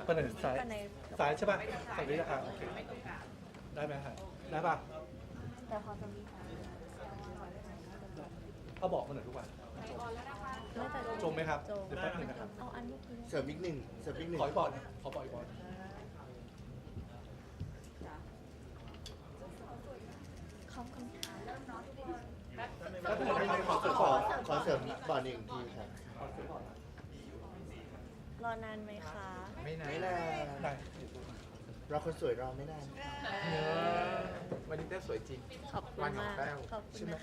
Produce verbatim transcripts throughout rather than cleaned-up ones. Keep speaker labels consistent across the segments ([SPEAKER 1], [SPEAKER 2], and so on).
[SPEAKER 1] ไปไหนซ้ายซ้ายใช่ป่ะฝั่งนี้นะครับโอเคได้ไหมครับได้ป่ะ
[SPEAKER 2] แต่พอจะมี
[SPEAKER 1] เอาบอกมาหน่อยทุกวันจมไหมครับเดี๋ยวแป๊บหนึงนะครับ
[SPEAKER 2] เอาอันเมื่อกี้
[SPEAKER 3] เสริมอีกหนึ่งเสริมอีกหนึ่ง
[SPEAKER 1] ขออีกบอลนะขอบอกอีกบอล
[SPEAKER 2] ขอบคุณค่ะ
[SPEAKER 1] แป๊บหนึงนะครับขอ
[SPEAKER 3] ขอ
[SPEAKER 1] ขอ
[SPEAKER 3] ขอเสริมบอลอีกทีครับ
[SPEAKER 1] ขอซื้อก่อนนะ
[SPEAKER 2] รอนานไหมคะ
[SPEAKER 4] ไม่นาน
[SPEAKER 3] ไม่นาน
[SPEAKER 1] ได้
[SPEAKER 3] เราคนสวยรอไม่นาน
[SPEAKER 4] วันนี้แต้วสวยจริง
[SPEAKER 2] ขอบคุณ
[SPEAKER 4] วันของ
[SPEAKER 2] มาก
[SPEAKER 4] แต้ว
[SPEAKER 2] ขอบคุณนะคะ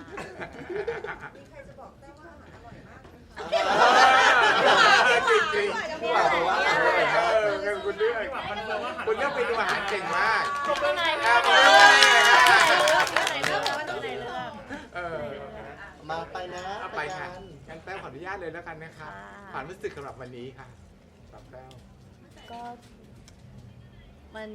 [SPEAKER 4] จริงจริงๆผู้บ่าวบอกว่าอร่อยมากเออคุณเลือกคุณเลือกเมนูอาหารเก่งมาก
[SPEAKER 2] ที่ไหน
[SPEAKER 4] ครั
[SPEAKER 2] เลื
[SPEAKER 4] บอก
[SPEAKER 2] ที่ไหนเลือกที่ไหนเลือก
[SPEAKER 4] เออ
[SPEAKER 3] มาไปนะ
[SPEAKER 4] เอาไปค่ะ
[SPEAKER 3] กัน
[SPEAKER 4] งั้นแต้วขออนุญาตเลยแล้วกันนะครับความรู้สึกสำหรับวันนี้ค่ะสำหรับแต้ว
[SPEAKER 2] ก็มัน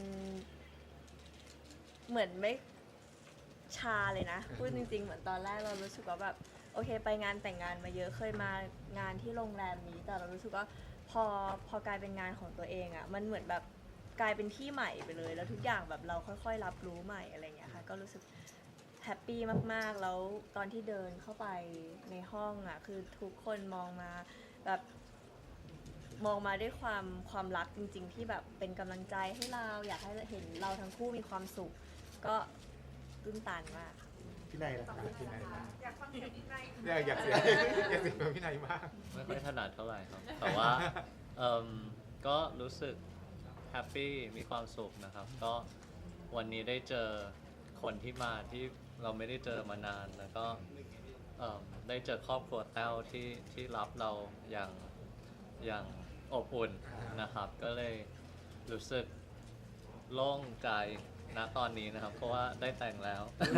[SPEAKER 2] เหมือนไม่ชาเลยนะพูดจริงๆเหมือนตอนแรกเรารู้สึกว่าแบบโอเคไปงานแต่งงานมาเยอะเคยมางานที่โรงแรมนี้แต่เรารู้สึกว่าพอพอกลายเป็นงานของตัวเองอะ่ะมันเหมือนแบบกลายเป็นที่ใหม่ไปเลย แล้วทุกอย่างแบบเราค่อยๆรับรู้ใหม่อะไรอย่างเงี้ยค่ะก็รู้สึกแฮปปี้มากๆแล้วตอนที่เดินเข้าไปในห้องอะ่ะคือทุกคนมองมาแบบมองมาด้วยความความรักจริงๆที่แบบเป็นกำลังใจให้เราอยากให้เห็นเราทั้งคู่มีความสุขก็ตื้นตันมาก
[SPEAKER 3] พี่นายล่ะครับ
[SPEAKER 4] พี่นายมากอยากฟังเสียงพี่นายอยากเสียงอยากเสียงพี่นายมาก
[SPEAKER 5] ไม่ค่อยถนัดเท่าไหร่ครับ แต่ว่าเอิ่มก็รู้สึกแฮปปี้มีความสุขนะครับ ก็วันนี้ได้เจอคนที่มาที่เราไม่ได้เจอมานาน แล้วก็เอิ่มได้เจอครอบครัวแต้วที่ที่รับเราอย่างอย่างอบอุ่นนะครับ ก็เลยรู้สึกโล่งใจณตอนนี้นะครับ เพราะว่าได้แต่งแล้ว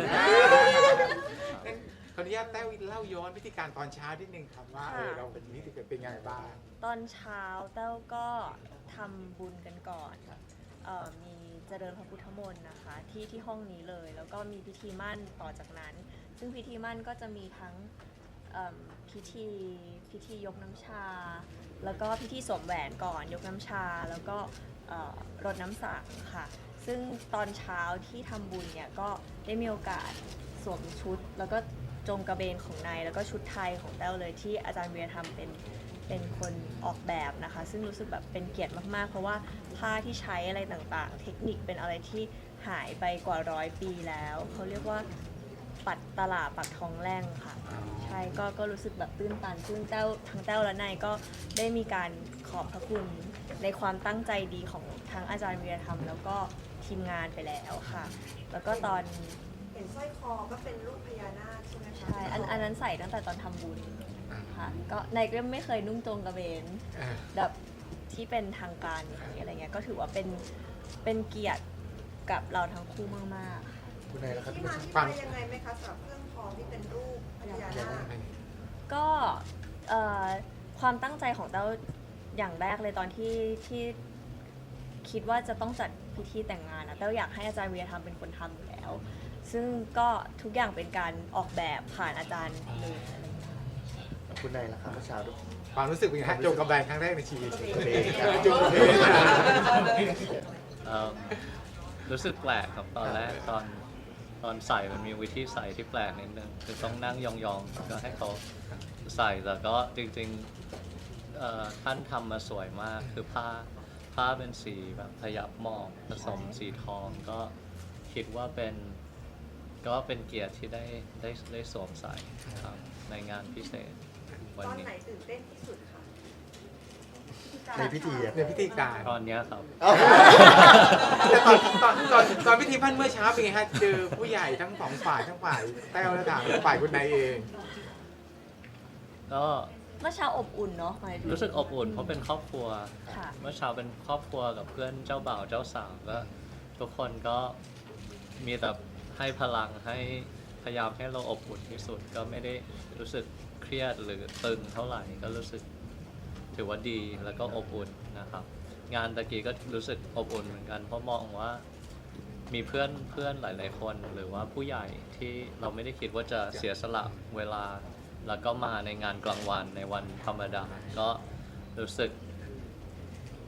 [SPEAKER 4] ขออนุญาตแต้วเล่าย้อนวิธีการตอนเช้าที่หนึ่งครับว่าเออเราเป็นนี้เป็นยังไงบ้าง
[SPEAKER 2] ตอนเช้าแต้วก็ทำบุญกันก่อนเอ่อมีเจริญพระพุทธมนต์นะคะที่ที่ห้องนี้เลย แล้วก็มีพิธีมั่นต่อจากนั้น ซึ่งพิธีมั่นก็จะมีทั้งเอิ่มพิธีพิธียกน้ำชา แล้วก็พิธีสวมแหวนก่อนยกน้ำชา แล้วก็เอ่อรดน้ำสังค่ะ ซึ่งตอนเช้าที่ทำบุญเนี่ยก็ได้มีโอกาสสวมชุด แล้วก็จงกระเบนของนายแล้วก็ชุดไทยของแต้วเลยที่อาจารย์เวียทำเป็นเป็นคนออกแบบนะคะ ซึ่งรู้สึกแบบเป็นเกียรติมากๆ เพราะว่าผ้าที่ใช้อะไรต่างๆ เทคนิคเป็นอะไรที่หายไปกว่าร้อยปีแล้วเขาเรียกว่าปัดตลาดปักทองแร่งค่ะ ใช่ก็ก็รู้สึกแบบตื้นตันซึ่งแต้วทั้งแต้วและนายก็ได้มีการขอบพระคุณในความตั้งใจดีของทั้งอาจารย์วีรธรรมแล้วก็ทีมงานไปแล้วค่ะ แล้วก็ตอน
[SPEAKER 6] เห็นสร้อยคอก็เป็นรูปพญานาคใช่ไหมคะ
[SPEAKER 2] ใช่อันอันนั้นใส่ตั้งแต่ตอนทำบุญค่ะก็นายก็ไม่เคยนุ่งจงกระเบนแบบที่เป็นทางการอย่างนี้อะไรเงี้ยก็ถือว่าเป็นเป็นเกียรติกับเราทั้งคู่มากๆค่ะ
[SPEAKER 3] คุณนายล่ะครับ
[SPEAKER 6] ที่
[SPEAKER 3] ที่
[SPEAKER 6] มา
[SPEAKER 3] มา
[SPEAKER 6] ที่ไปยังไงไหมคะสำหรับเครื่องทองที่เป็นรูปพญานาค
[SPEAKER 2] ก็เอ่อความตั้งใจของเต้าอย่างแรกเลยตอนที่ที่คิดว่าจะต้องจัดพิธีแต่งงานนะเต้าอยากให้อาจารย์วีรธรรมเป็นคนทำอยู่แล้ว ซึ่งก็ทุกอย่างเป็นการออกแบบผ่านอาจารย์เลยอะไรอย่างเงี้ย
[SPEAKER 3] คุณนายล่ะครับเมื่อเช้าด้วย
[SPEAKER 4] ความรู้สึกเป็นไงฮะโจงกระแบงครั้งแรกในชีวิต
[SPEAKER 3] โจงกระเบนครับ
[SPEAKER 4] โจงกระเบน
[SPEAKER 5] เอิ่มรู้สึกแปลกครับตอนแรกตอนตอนใส่มันมีวิธีใส่ที่แปลกนิดนึงคือต้องนั่งยองๆก็ให้เขาใส่แต่ก็จริงๆเอ่อท่านทำมาสวยมากคือผ้าผ้าเป็นสีแบบพยับหมอกผสมสีทองก็คิดว่าเป็นก็เป็นเกียรติที่ได้ได้ได้สวมใส่ครับในงานพิเศษ
[SPEAKER 6] ต
[SPEAKER 5] วัน
[SPEAKER 6] อน
[SPEAKER 5] นี้
[SPEAKER 6] ไหนตื่นเต้นที่สุดคะ
[SPEAKER 3] ในพิธีอะ
[SPEAKER 4] ในพิธีการ
[SPEAKER 5] ตอนเนี้ยครับ
[SPEAKER 3] เอ้า
[SPEAKER 4] แต่ตอนตอนตอนตอนพิธีพันเมื่อเช้าเป็นไงฮะเจอผู้ใหญ่ทั้งสองฝ่ายทั้งฝ่ายแต้วและทางฝ่ายคุณนายเอง
[SPEAKER 5] ก็
[SPEAKER 2] เมื่อเช้าอบอุ่นเนาะหมายถึง
[SPEAKER 5] รู้สึกอบอุ่นเพราะเป็นครอบครัว
[SPEAKER 2] ค่ะ
[SPEAKER 5] เมื่อเช้าเป็นครอบครัวกับเพื่อนเจ้าบ่าวเจ้าสาวก็ทุกคนก็มีแต่ให้พลังให้พยายามให้เราอบอุ่นที่สุด ก็ไม่ได้รู้สึกเครียดหรือตึงเท่าไหร่ก็รู้สึกถือว่าดีแล้วก็อบอุ่นนะครับ งานตะกี้ก็รู้สึกอบอุ่นเหมือนกัน เพราะมองว่ามีเพื่อนเพื่อนหลาย ๆ คนหรือว่าผู้ใหญ่ที่เราไม่ได้คิดว่าจะเสียสละเวลา แล้วก็มาในงานกลางวันในวันธรรมดาก็รู้สึก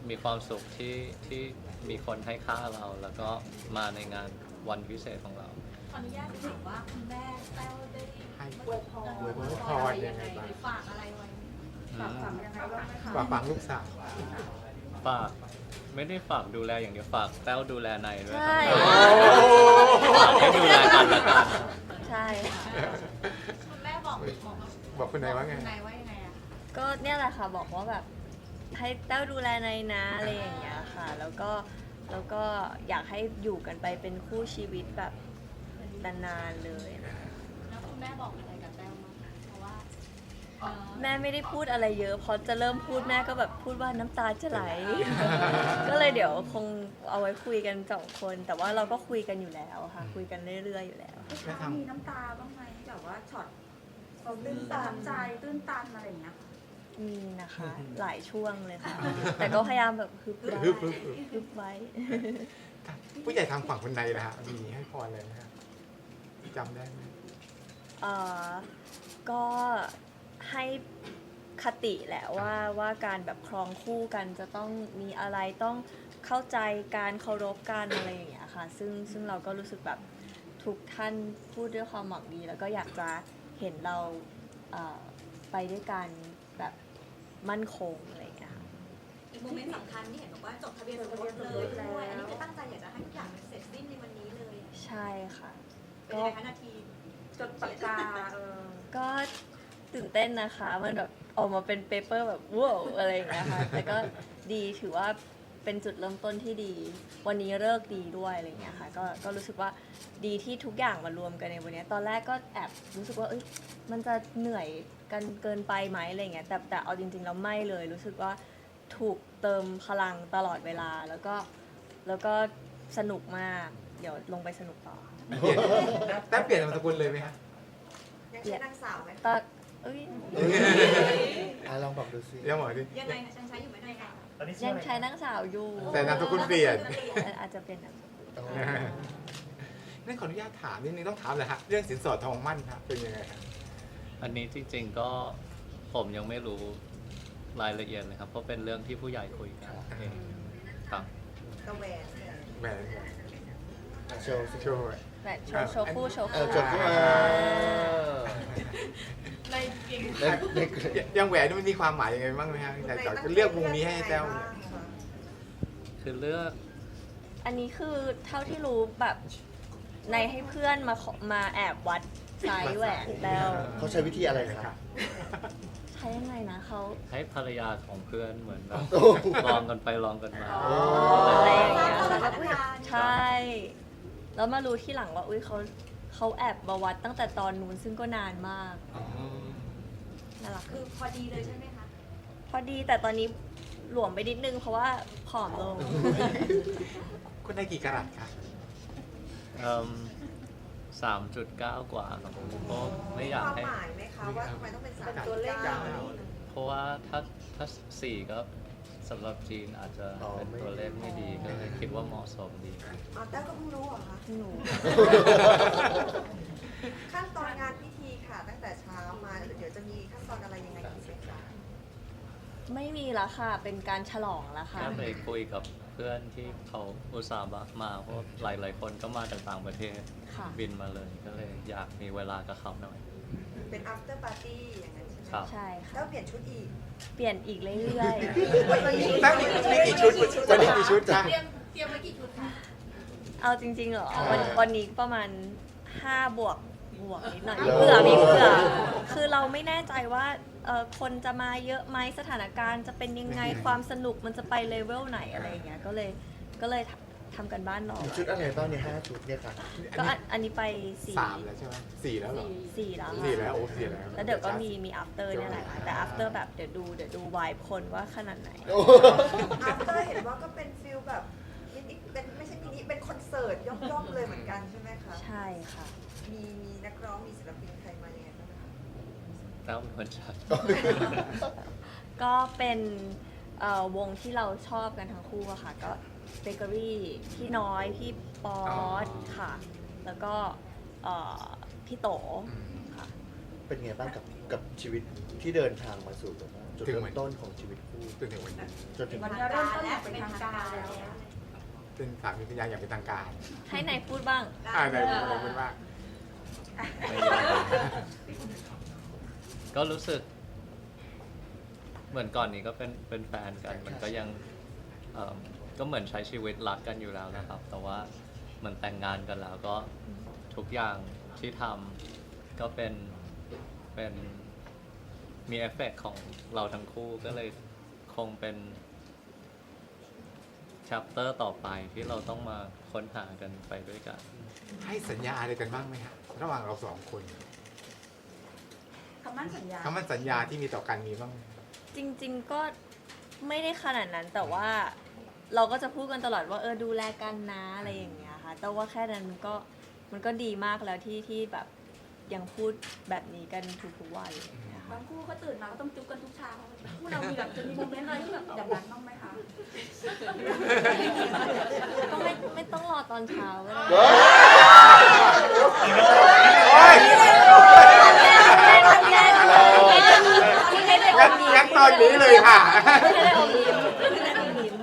[SPEAKER 5] มีความสุขที่ที่มีคนให้ค่าเรา แล้วก็มาในงานวันพิเศษของเรา
[SPEAKER 7] ขออนุญาตถามว่าคุณแม่แต้วได้
[SPEAKER 4] ให้
[SPEAKER 7] อวยพร
[SPEAKER 4] อวยพร
[SPEAKER 7] อะไร
[SPEAKER 4] ยั
[SPEAKER 7] ยัง ง
[SPEAKER 4] ไง
[SPEAKER 7] ไง
[SPEAKER 4] บ้าง
[SPEAKER 7] หรือฝากอะไรไว้
[SPEAKER 5] อื
[SPEAKER 6] ฝาก
[SPEAKER 5] ม
[SPEAKER 6] ฝังยังไงบ้างไหมคะ
[SPEAKER 4] ฝากฝังลูกสาว
[SPEAKER 5] ฝากไม่ได้ฝากดูแลอย่างเดียวฝากแต้วดูแลในด้วย
[SPEAKER 2] ใช่
[SPEAKER 5] ฝากให้ดูแลกันและกัน
[SPEAKER 2] ใช่ค่ะ
[SPEAKER 7] คุณแม่บอกบอก
[SPEAKER 4] บอกคุณนายว่าไง
[SPEAKER 7] คุณนายว่ายังไงอะ
[SPEAKER 2] ก็เนี่ยแหละค่ะบอกว่าแบบให้แต้วดูแลในายนะอะไรอย่างเงี้ยค่ะ แล้วก็แล้วก็อยากให้อยู่กันไปเป็นคู่ชีวิตแบบนานๆเลยนะ
[SPEAKER 7] แล้วคุณแม่บอกอะไรกับแต้วบ้างคะเพราะว่าเอ่อ
[SPEAKER 2] แม่ไม่ได้พูดอะไรเยอะพอจะเริ่มพูดแม่ก็แบบพูดว่าน้ำตาจะไหล ก็เลยเดี๋ยวคงเอาไว้คุยกันสองคน แต่ว่าเราก็คุยกันอยู่แล้วค่ะ คุยกันเรื่อยๆอยู่แล้ว
[SPEAKER 4] แม่ท
[SPEAKER 6] มีน้ำตาบ้างไหมแบบว่าช็อตตื้นตันใจตื้นตันอะไรอย่างเงี้ย
[SPEAKER 2] มีนะคะ หลายช่วงเลยค่ะ แต่ก็พยายามแบบฮึบไว้
[SPEAKER 4] ฮึบฮึบฮึบ
[SPEAKER 2] ฮึบไว้
[SPEAKER 4] ำผู้ใหญ่ทางฝั่งคุณนายนะฮะมีให้พรอะไรไหมฮะจำได้ไหม
[SPEAKER 2] เอ่อก็ให้คติแหละว่าว่าการแบบครองคู่กันจะต้องมีอะไรต้องเข้าใจการเคารพกันอะไรอย่างเงี้ยค่ะ ซึ่งซึ่งเราก็รู้สึกแบบทุกท่านพูดด้วยความหวังดี แล้วก็อยากจะเห็นเราเอ่อไปด้วยกันแบบมั่นคงอะไรอย่างเงี้ยค่ะ
[SPEAKER 8] อีกโมเมนต์สำคัญที่เห็นบอกว่าจดทะเบียนสมรสเลยด้วย อันนี้คือตั้งใจอยากจะให้ทุกอย่างมันเสร็จสิ้นในวันนี้เลย
[SPEAKER 2] ใช่ค่ะ
[SPEAKER 8] เป็นยังไงคะนาที
[SPEAKER 6] จดปากกาเออ
[SPEAKER 2] ก็ตื่นเต้นนะคะ มันแบบออกมาเป็นเปเปอร์แบบว้าวอะไรอย่างเงี้ยค่ะ แต่ก็ดีถือว่าเป็นจุดเริ่มต้นที่ดี วันนี้เลิกดีด้วยอะไรอย่างเงี้ยค่ะ ก็ก็รู้สึกว่าดีที่ทุกอย่างมารวมกันในวันเนี้ยตอนแรกก็แอบรู้สึกว่าเอ้ยมันจะเหนื่อยกันเกินไปไหมอะไรเงี้ย แต่แต่เอาจริงๆแล้วไม่เลย รู้สึกว่าถูกเติมพลังตลอดเวลา แล้วก็แล้วก็สนุกมาก เดี๋ยวลงไปสนุกต่อ
[SPEAKER 4] เปลี่ยนแต้วเปลี่ยนนามสกุลเลยไหมฮะ
[SPEAKER 6] ยังใช้นางสาวไหม
[SPEAKER 2] ตอนเอ้ย
[SPEAKER 3] อ่ะลองบอกดูสิ
[SPEAKER 4] เดี๋ยวหมอดิ
[SPEAKER 8] ยังไงนะยังใช้อยู่ไหมยังไง
[SPEAKER 2] ยังใช้นังสาวอยู่
[SPEAKER 4] แต่นามสกุลเปลี่ยน
[SPEAKER 2] อาจจะเป็นนามสกุล
[SPEAKER 3] อ๋อ
[SPEAKER 4] นั่นขออนุญาตถามนิดนึงต้องถามเลยฮะเรื่องสินสอดทองมั่นครับเป็นยังไงฮะ
[SPEAKER 5] อันนี้จริงๆก็ผมยังไม่รู้รายละเอียดเลยครับ เพราะเป็นเรื่องที่ผู้ใหญ่คุยกันเองครับ
[SPEAKER 6] กระแหวนเนี่ย
[SPEAKER 4] แหวน
[SPEAKER 3] โชว์สิ
[SPEAKER 4] โชว์
[SPEAKER 2] แบบโชว์โชว์คู่โชว์
[SPEAKER 3] เอ
[SPEAKER 2] คู่
[SPEAKER 3] อจดขึ้นมา
[SPEAKER 7] ในเก่ง
[SPEAKER 3] ในใน
[SPEAKER 4] ยังแหวนนี่มันมีความหมายยังไงบ้างไหมฮะแต่ก่อนจะเลือกวงนี้ให้แต้วเนี่ย
[SPEAKER 5] คือเลือก
[SPEAKER 2] อันนี้คือเท่าที่รู้แบบในให้เพื่อนมาขอมาแอบวัดไซส์แหวนแล้ว
[SPEAKER 3] เขาใช้วิธีอะไรครับ
[SPEAKER 2] ใช้ยังไงนะเขา
[SPEAKER 5] ให้ภรรยาของเพื่อนเหมือนแบบ
[SPEAKER 3] โอ้
[SPEAKER 5] ลองกันไปลองกันมา
[SPEAKER 3] โอ้
[SPEAKER 2] อะไรอย่างเงี้ย
[SPEAKER 8] อ๋อ
[SPEAKER 2] แล้วก็อุ๊ยใช่ แล้วมารู้ที่หลังว่าอุ้ยเขาเขาแอบมาวัดตั้งแต่ตอนนู้นซึ่งก็นานมากน่ารัก
[SPEAKER 8] คือพอดีเลยใช่ไหมคะ
[SPEAKER 2] พอดีแต่ตอนนี้หลวมไปนิดนึงเพราะว่าผอมลง
[SPEAKER 4] คุณได้กี่กะรัตครับ
[SPEAKER 5] สามจุดเก้ากว่าครับผมเพราะไม่อยาก
[SPEAKER 6] ความ
[SPEAKER 5] ให้
[SPEAKER 6] หมายไหมคะว่าทำไมต้องเป็นสาม
[SPEAKER 4] เป็นตั
[SPEAKER 6] ตัว ว
[SPEAKER 4] เล
[SPEAKER 6] เล
[SPEAKER 4] ข
[SPEAKER 6] ข
[SPEAKER 4] เก้า
[SPEAKER 5] เพราะว่าถ้าถ้าสี่ก็สำหรับจีนอาจจะ
[SPEAKER 3] อ๋อ
[SPEAKER 5] เป็น
[SPEAKER 3] ไม่
[SPEAKER 5] ตัวเลขไม่ดีก็เลยคิดว่าเหมาะสมดี
[SPEAKER 6] อ๋อแต้วก็เพิ่งรู้เหรอคะ
[SPEAKER 2] หนู
[SPEAKER 6] ขั้นตอนงานพิธีค่ะ ตั้งแต่เช้ามาเดี๋ยวจะมีขั้นตอนอะไรยังไงอีกไหมคะ
[SPEAKER 2] ไม่มีละค่ะ เป็นการฉลองละค่ะ
[SPEAKER 5] แค่ไปคุยกับเพื่อนที่เขาอุตส่าห์มาเพราะหลาย ๆ คนก็มาจากต่างประเทศ
[SPEAKER 2] ค่ะ
[SPEAKER 5] บินมาเลยก็เลยอยากมีเวลากับเขาหน่อย
[SPEAKER 6] เป็น after party อย่างนั้นใช่ไหม
[SPEAKER 5] ครับ
[SPEAKER 2] ใช่ค่ะ
[SPEAKER 6] แล้วเปลี่ยนชุดอีก
[SPEAKER 2] เปลี่ยนอีกเรื่อย
[SPEAKER 4] แต้วมีมีกี่ชุดวันนี้กี่ชุดคะ
[SPEAKER 7] เตรียมเตรียมไว้กี่ชุดคะ
[SPEAKER 2] ๆ เอาจริงๆเหรอ วันวันนี้ประมาณห้าบวกบวกนิดหน่อย
[SPEAKER 3] โอ้
[SPEAKER 2] เผื่อมีเผื่อ คือเราไม่แน่ใจว่าเอ่อคนจะมาเยอะไหมสถานการณ์จะเป็นยังไงความสนุกมันจะไปเลเวลไหนอะไรอย่างเงี้ย ก็เลยก็เลยทำทำกันบ้านรอ
[SPEAKER 3] มีชุดอะไรบ้างเนี่ยห้าชุดเนี่ยค่ะ
[SPEAKER 2] ก็อันอันนี้ไปสี่
[SPEAKER 4] สามแล้วใช่ไหมสี่แล้วเหรอ
[SPEAKER 2] สี่แล้ว
[SPEAKER 4] สี่
[SPEAKER 2] ค่ะ
[SPEAKER 4] แล้วโอ้สี่แล้ว
[SPEAKER 2] แล้วเดี๋ยวก็มีมี after เนี่ยแหละค่ะแต่ after แบบเดี๋ยวดูเดี๋ยวดูวายคนว่าขนาดไหน
[SPEAKER 3] โอ้
[SPEAKER 6] after เห็นว่าก็เป็นฟิลแบบมินิเป็นไม่ใช่มินิเป็นคอนเสิร์ตย่อมๆเลยเหมือนกันใช่ไหมคะ
[SPEAKER 2] ใช่ค่ะ
[SPEAKER 6] มีมีนักร้องมีศิลปินใครมายังไงบ้างคะ
[SPEAKER 5] แล้วเป็นคนชัด
[SPEAKER 2] ก็เป็นเอ่อวงที่เราชอบกันทั้งคู่อะค่ะ ก็เบเกอรี่พี่น้อยพี่ป๊อตค่ะ แล้วก็เอ่อพี่โตค่ะ
[SPEAKER 3] เป็นไงบ้างกับกับชีวิตที่เดินทางมาสู่แบบว่าจุดเริ่มต้นของชีวิตคู่
[SPEAKER 4] จนถึงวันนี้
[SPEAKER 3] จนถึง
[SPEAKER 6] วันนี้เริ่มต้นอย่างเป็นทางการแล้ว
[SPEAKER 4] เป็นสามีภรรยาอย่างเป็นทางการ
[SPEAKER 2] ให้นายพูดบ้าง
[SPEAKER 4] อ่าไหนไหนพูดว่า
[SPEAKER 5] ก็รู้สึก เหมือนก่อนนี้ก็เป็นเป็นแฟนกัน มันก็ยังเอิ่มก็เหมือนใช้ชีวิตรักกันอยู่แล้วนะครับ แต่ว่าเหมือนแต่งงานกันแล้วก็ทุกอย่างที่ทำก็เป็นเป็นมีเอฟเฟกต์ของเราทั้งคู่ก็เลยคงเป็น chapter ต่อไปที่เราต้องมาค้นหากันไปด้วยกัน
[SPEAKER 4] ให้สัญญาอะไรกันบ้างไหมฮะระหว่างเราสองคน
[SPEAKER 6] คำมั่นสัญญา
[SPEAKER 4] คำมั่นสัญญาที่มีต่อกันมีบ้างไหม
[SPEAKER 2] จริงๆก็ไม่ได้ขนาดนั้นแต่ว่าเราก็จะพูดกันตลอดว่าเออดูแลกันนะอะไรอย่างเงี้ยค่ะแต่ว่าแค่นั้นมันก็มันก็ดีมากแล้วที่ที่แบบยังพูดแบบนี้กันทุกๆวันอะไรอย่างเงี้ยค่ะ
[SPEAKER 6] บางคู่ก็ตื่นมาก็ต้องจุ๊บกันทุกเช้าคู่เรามีแบบจะมีโมเมนต์อะไรที่แบบอย่างนั้นบ้างไหมคะ
[SPEAKER 2] ก็ไม่ไม่ต้องรอตอนเช้าก็ได้
[SPEAKER 4] โอ้ย
[SPEAKER 2] ให้ได้อ
[SPEAKER 4] งั้น
[SPEAKER 2] มยิ้ม
[SPEAKER 4] งั้นตอนนี้เลยค่ะ
[SPEAKER 2] ให้ได้อมยิ้มให้ได้อมยิ้ม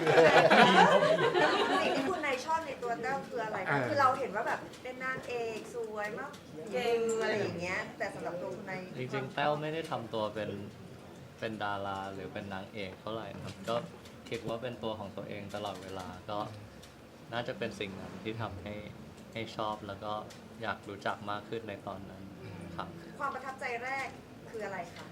[SPEAKER 6] สิ่งที่คุณนายชอบในตัวแต้วคืออะไรคะคือเราเห็นว่าแบบเป็นนางเอกสวยมากเก่งอะไรอย่างเงี้ยแต่สำหรับตัวคุณนาย
[SPEAKER 5] จริงๆแต้วไม่ได้ทำตัวเป็นเป็นดาราหรือเป็นนางเอกเท่าไหร่นะครับก็คิดว่าเป็นตัวของตัวเองตลอดเวลาก็น่าจะเป็นสิ่งนั้นที่ทำให้ให้ชอบแล้วก็อยากรู้จักมากขึ้นในตอนนั้นครับ
[SPEAKER 6] ความประทับใจแรกคืออะไรคะ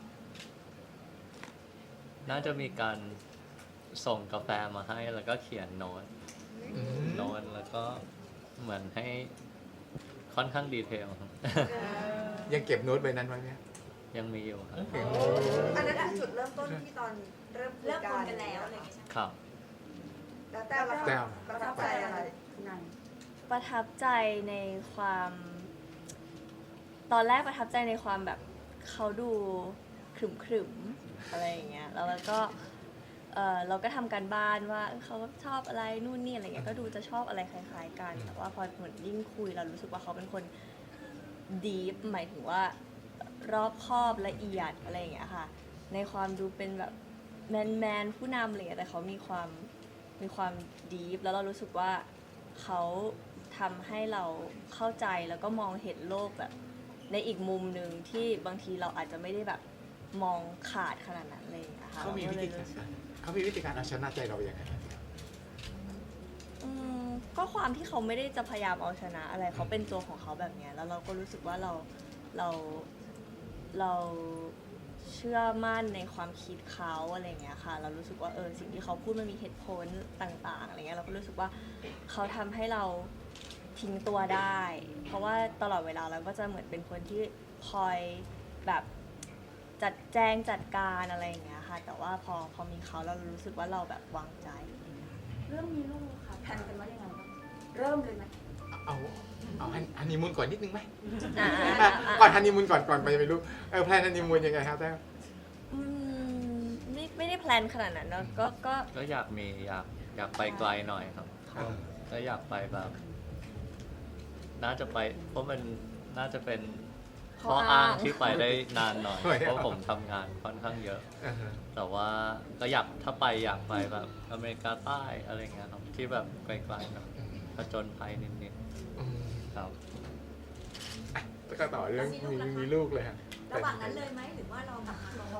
[SPEAKER 5] น่าจะมีการส่งกาแฟมาให้แล้วก็เขียนโน้ตโน้ตแล้วก็เหมือนให้ค่อนข้างดีเทลครับ
[SPEAKER 4] ยังเก็บโน้ตใบนั้นไว้ไหม
[SPEAKER 5] ยังมีอยู่ครับ
[SPEAKER 6] อันนั้นคือจุดเริ่มต้นที่ตอนเริ่มคุย
[SPEAKER 8] เลิก
[SPEAKER 6] กั
[SPEAKER 8] คุ
[SPEAKER 6] น
[SPEAKER 8] ยกันแล้วอะไรอย่างเงี้ยใช่ไหม
[SPEAKER 5] ครับ
[SPEAKER 6] แล้วแต้วล่ะ
[SPEAKER 4] แต้
[SPEAKER 6] คะ
[SPEAKER 4] ว
[SPEAKER 6] ประทับใจอะไรคุณนาย
[SPEAKER 2] ประทับใจในความ ตอนแรกประทับใจในความแบบเขาดูขรึมขรึมๆอะไรอย่างเงี้ยแล้วเราก็เออเราก็ทำการบ้านว่าเขาชอบอะไรนู่นนี่อะไรเงี้ยก็ดูจะชอบอะไรคล้ายๆกันแต่ว่าพอเหมือนยิ่งคุยเรารู้สึกว่าเขาเป็นคนดีฟหมายถึงว่ารอบคอบละเอียดอะไรอย่างเงี้ยค่ะในความดูเป็นแบบแมนแมนผู้นำอะไรเงี้ยแต่เขามีความมีความดีฟแล้วเรารู้สึกว่าเขาทำให้เราเข้าใจแล้วก็มองเห็นโลกแบบในอีกมุมหนึ่งที่บางทีเราอาจจะไม่ได้แบบมองขาดขนาดนั้นเลยนะคะ
[SPEAKER 4] เขามีวิธีการเขามีวิธีการเอาชนะใจเราอย่างไร
[SPEAKER 2] อืมก็ความที่เขาไม่ได้จะพยายามเอาชนะอะไรเขาเป็นตัวของเขาแบบเนี้ยแล้วเราก็รู้สึกว่าเราเราเราเชื่อมั่นในความคิดเขาอะไรเงี้ยค่ะเรารู้สึกว่าเออสิ่งที่เขาพูดมันมีเหตุผลต่างๆอะไรเงี้ยเราก็รู้สึกว่าเขาทำให้เราทิ้งตัวได้ เพราะว่าตลอดเวลาเราก็จะเหมือนเป็นคนที่คอยแบบจัดแจงจัดการอะไรอย่างเงี้ยค่ะแต่ว่าพอพอมีเขาเรารู้สึกว่าเราแบบวางใจ
[SPEAKER 6] เรื่องมีลูกค่ะแผนกันว่ายังไงบ้างเริ่มเลยไหม
[SPEAKER 4] เอาเอาฮันนีมูนก่อนนิดนึงไหม
[SPEAKER 2] อ่า
[SPEAKER 4] ก่อนฮันนีมูนก่อนก่อนไปไม่รู้เออแพลนฮันนีมูนยังไงครับแต้ว
[SPEAKER 2] อืมไม่ไม่ได้แพลนขนาดนั้นเนอะก็ก็
[SPEAKER 5] ก็อยากมีอยากอยากไปไกลหน่อยครับก็อยากไปแบบ น่าจะไปเพราะมันน่าจะเป็นข้ออ้างที่ไปได้นานหน่อย เพราะผมทำงานค่อนข้างเยอะ
[SPEAKER 4] อ่าฮะ
[SPEAKER 5] แต่ว่าก็อยากถ้าไปอยากไปแบบอเมริกาใต้อะไรเงี้ยครับที่แบบไกลๆหน่อยผจญภัยนิด
[SPEAKER 4] อืม
[SPEAKER 5] ๆครับ
[SPEAKER 4] อ่ะแล้วก็ต่อเรื่องมีมีลูกเลยฮะ
[SPEAKER 8] ระหว่างนั้นเลยไหมหรือว่าเราแบบรอ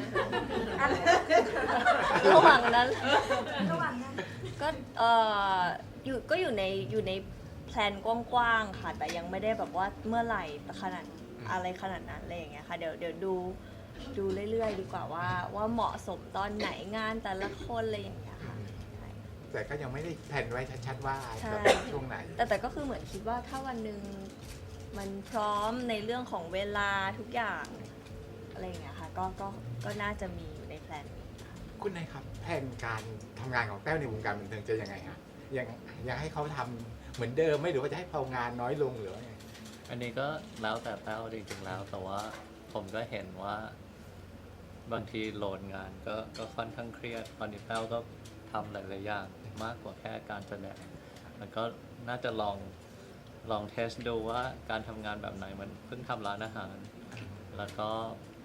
[SPEAKER 2] ระหว่างนั้น
[SPEAKER 8] ระหว่างนั้น
[SPEAKER 2] ก็เอออยู่ก็อยู่ในอยู่ในแพลนกว้างๆค่ะแต่ยังไม่ได้แบบว่าเมื่อไหร่ขนาดอะไรขนาดนั้นอะไรอย่างเงี้ยค่ะเดี๋ยวเดี๋ยวดูดูเรื่อยๆ ดีกว่าว่าว่าเหมาะสมตอนไหนงานแต่ละคนอะไรอย่างเงี้ยค่ะใช่
[SPEAKER 4] แต่ก็ยังไม่ได้แผนไว้ชัดๆว่า
[SPEAKER 2] ใช่
[SPEAKER 4] จะเป็นช่วงไหน
[SPEAKER 2] แต่แต่ก็คือเหมือนคิดว่าถ้าวันหนึ่งมันพร้อมในเรื่องของเวลาทุกอย่างอะไรอย่างเงี้ยค่ะก็ก็ก็น่าจะมีอยู่ในแพลน
[SPEAKER 4] คุณนายครับแผนการทำงานของแต้วในวงการบันเทิงจะยังไงฮะยังยังให้เขาทำเหมือนเดิมไหมหรือว่าจะให้เขางานน้อยลงหรือว่าไง
[SPEAKER 5] อันนี้ก็แล้วแต่แต้วจริงๆแล้ว แต่ว่าผมก็เห็นว่าบางทีโหลดงานก็ก็ค่อนข้างเครียดตอนนี้แต้วก็ทำหลายๆอย่างมากกว่าแค่การแสดงแล้วก็น่าจะลองลองเทสดูว่าการทำงานแบบไหนมันเพิ่งทำร้านอาหาร แล้วก็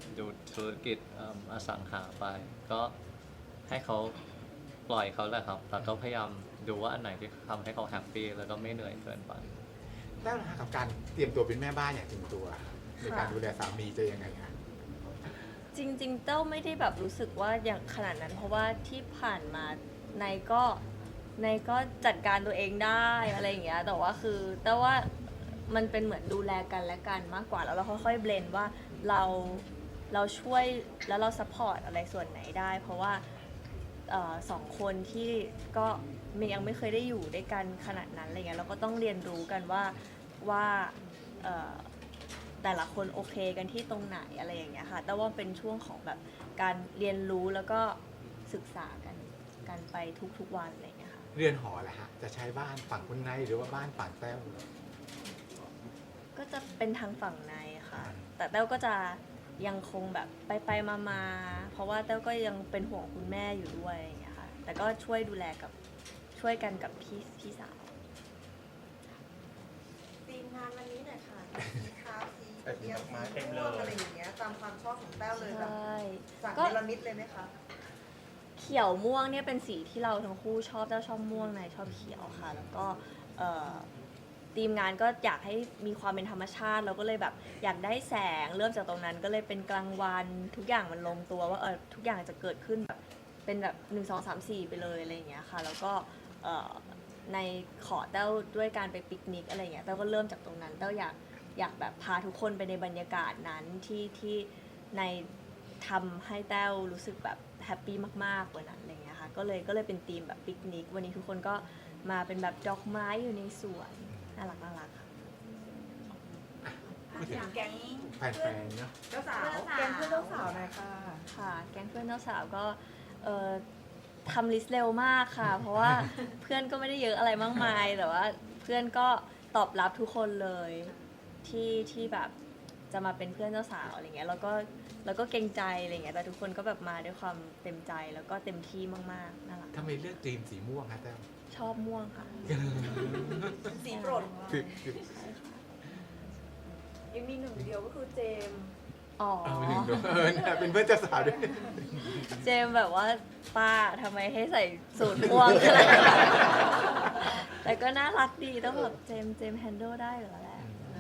[SPEAKER 5] ดูธุรกิจเอิ่มอสังหาไป ก็ให้เขาปล่อยเขาแหละครับแล้วก็พยายามดูว่าอันไหนที่ทำให้เขาแฮปปี้แล้วก็ไม่เหนื่อยเกินไป
[SPEAKER 4] แต้วนะคะกับการเตรียมตัวเป็นแม่บ้านอย่างเต็มตัวในการดูแลสามีจะยังไงคะ
[SPEAKER 2] จริงๆเต้าไม่ได้แบบรู้สึกว่าอย่างขนาดนั้น เพราะว่าที่ผ่านมาในก็ในก็จัดการตัวเองได้อะไรอย่างเงี้ยแต่ว่าคือเต้าว่ามันเป็นเหมือนดูแลกันและกันมากกว่าแล้วเราค่อยๆเบลนว่าเราเราช่วยแล้วเราซัพพอร์ตอะไรส่วนไหนได้ เพราะว่าเอ่อสองคนที่ก็ยังไม่เคยได้อยู่ด้วยกันขนาดนั้นอะไรเงี้ยเราก็ต้องเรียนรู้กันว่าว่าเอ่อแต่ละคนโอเคกันที่ตรงไหนอะไรอย่างเงี้ยค่ะแต่ว่าเป็นช่วงของแบบการเรียนรู้แล้วก็ศึกษากันกันไปทุกๆวันอะไรอย่างเงี้ยค่ะ
[SPEAKER 4] เรือนหอแหละฮะจะใช้บ้านฝั่งคุณนายหรือว่าบ้านฝั่งแต้ว
[SPEAKER 2] ก็จะเป็นทางฝั่งในค่ะ แต่แต้วก็จะยังคงแบบไปไปมามาเพราะว่าแต้วก็ยังเป็นห่วงคุณแม่อยู่ด้วยอย่างเงี้ยค่ะแต่ก็ช่วยดูแลกับช่วยกันกับพี่พี่สาว
[SPEAKER 6] ทีมงานวันนี้หน่อยค่ะสีขาวสีเขียวสีม่วงอะไรอย่างเงี้ยตามความชอบของแต้วเลยแบบ
[SPEAKER 2] ใช่
[SPEAKER 6] สั่ง
[SPEAKER 2] ก็
[SPEAKER 6] เนรมิตเลยไหมคะ
[SPEAKER 2] เขียวม่วงเนี่ยเป็นสีที่เราทั้งคู่ชอบแต้วชอบม่วงนายชอบเขียวค่ะ แล้วก็เอ่อทีมงานก็อยากให้มีความเป็นธรรมชาติเราก็เลยแบบอยากได้แสงเริ่มจากตรงนั้นก็เลยเป็นกลางวันทุกอย่างมันลงตัวว่าเออทุกอย่างจะเกิดขึ้นแบบเป็นแบบหนึ่งสองสามสี่ไปเลยอะไรอย่างเงี้ยค่ะแล้วก็เอ่อในขอแต้วด้วยการไปปิกนิกอะไรอย่างเงี้ยแต้วก็เริ่มจากตรงนั้นแต้วอยากอยากแบบพาทุกคนไปในบรรยากาศนั้นที่ที่ในทำให้แต้วรู้สึกแบบแฮปปี้มากๆกว่านั้นอะไรอย่างเงี้ยค่ะก็เลยก็เลยเป็นธีมแบบปิกนิกวันนี้ทุกคนก็มาเป็นแบบดอกไม้อยู่ในสวนน่ารักน่ารักค่ะ
[SPEAKER 4] พูดถึง
[SPEAKER 6] แก๊ง
[SPEAKER 4] แฟนๆเนาะ
[SPEAKER 6] เจ้าสาวแก๊งเพื่อนเจ้าสาวหน่อยค่ะ
[SPEAKER 2] ค่ะแก๊งเพื่อนเจ้าสาวก็เอ่อทำลิสต์เร็วมากค่ะ เพราะว่าเพื่อนก็ไม่ได้เยอะอะไรมากมาย แต่ว่าเพื่อนก็ตอบรับทุกคนเลยที่ที่แบบจะมาเป็นเพื่อนเจ้าสาวอะไรเงี้ยแล้วก็แล้วก็เกรงใจอะไรเงี้ยแต่ทุกคนก็แบบมาด้วยความเต็มใจแล้วก็เต็มที่มากๆน่ารัก
[SPEAKER 4] ทำไมเลือกธีมสีม่วงฮะแต้ว
[SPEAKER 2] ชอบม่วงค่ะ
[SPEAKER 6] สีโปรดของเรา
[SPEAKER 4] คือคือ
[SPEAKER 6] ยังมีหนึ่งเดียวก็คือเจมส์
[SPEAKER 2] อ๋อ
[SPEAKER 4] เอาไปหนึ่งดวงเออเนี่ยเป็นเพื่อนเจ้าสาวด้วย
[SPEAKER 2] เจมส์แบบว่าป้าทำไมให้ใส่สูทม่วงขนาดนั้นแต่ก็น่ารักดีต้องแบบเจมส์เจมส์แฮนด์ลได้เหรอแหละ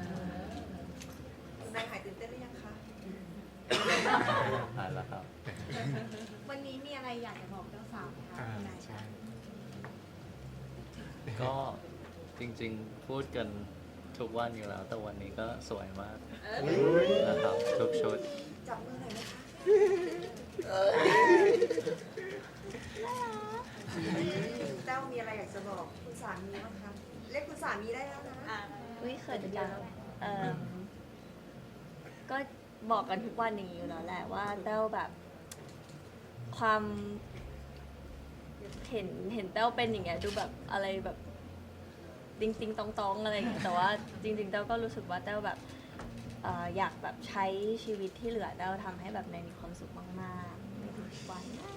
[SPEAKER 6] นายหายตื่นเต้นหรือยังคะ
[SPEAKER 5] หายแล้วครับ
[SPEAKER 7] วันนี้มีอะไรอยากจะบอกเจ้าสาวไหมคะ
[SPEAKER 4] อ่า
[SPEAKER 7] คุณนาย
[SPEAKER 4] ใช่
[SPEAKER 5] ก็จริงๆพูดกันทุกวันอยู่แล้ว แต่วันนี้ก็สวยมากนะครับทุกชุด
[SPEAKER 6] จับมือหน่อยนะคะแต้วมีอะไรอยากจะบอกคุณสามีบ้างคะเรียกคุณสามีได้แล้วนะ
[SPEAKER 8] อ่า
[SPEAKER 2] อุ้ยเขินจังเอิ่มก็บอกกันทุกวันอย่างนี้อยู่แล้วแหละว่าแต้วแบบ ความเห็นเห็นแต้วเป็นอย่างเงี้ยดูแบบอะไรแบบติงติงตองตองอะไรอย่างเงี้ยแต่ว่าจริงๆแต้วก็รู้สึกว่าแต้วแบบเอ่ออยากแบบใช้ชีวิตที่เหลือแต้วทำให้แบบในมีความสุขมากๆในทุกๆวัน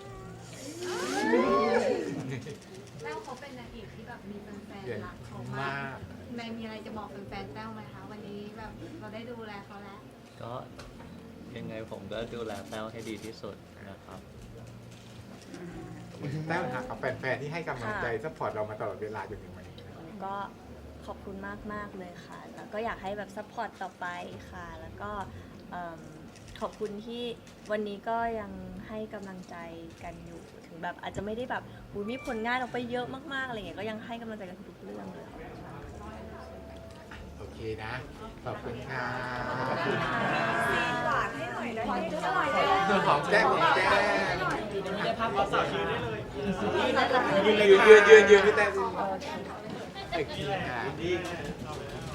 [SPEAKER 7] แต้วเขาเป็นนางเอกที่แบบมีแฟน
[SPEAKER 4] เก่ง
[SPEAKER 7] ๆรักเขา
[SPEAKER 4] มาม
[SPEAKER 7] าก กแม่มีอะไรจะบอกแฟนๆแต้วไหมคะวันนี้แบบเราได้ดูแลเขาแล้ว
[SPEAKER 5] ก็ยังไงผมก็ดูแลแต้วให้ดีที่สุดนะครับ
[SPEAKER 4] แต้วหากับแฟนๆที่ให้กำลังใจซัพพอร์ตเรามาตลอดเวลาจนถึงวันนี้
[SPEAKER 2] ก็ขอบคุณมากๆเลยค่ะ แล้วก็อยากให้แบบซัพพอร์ตต่อไปค่ะ แล้วก็เอิ่มขอบคุณที่วันนี้ก็ยังให้กำลังใจกันอยู่ ถึงแบบอาจจะไม่ได้แบบอุ๊ยมีผลงานออกไปเยอะมากๆอะไรเงี้ย ก็ยังให้กำลังใจกันทุกๆเรื่องเลยขอบคุณมาก
[SPEAKER 4] โอเคนะ ขอบคุณค่ะ
[SPEAKER 6] ซีนหวานให้หน่อยได้ไหมจะหน่อยได้
[SPEAKER 4] ตัวของแก้มของแก้ม
[SPEAKER 1] ได้ภาพเราสาวยืนได้เลย
[SPEAKER 4] ยืนยืนยืนยืนพี่แต้ม
[SPEAKER 2] โอเค
[SPEAKER 4] โอเคค่ะ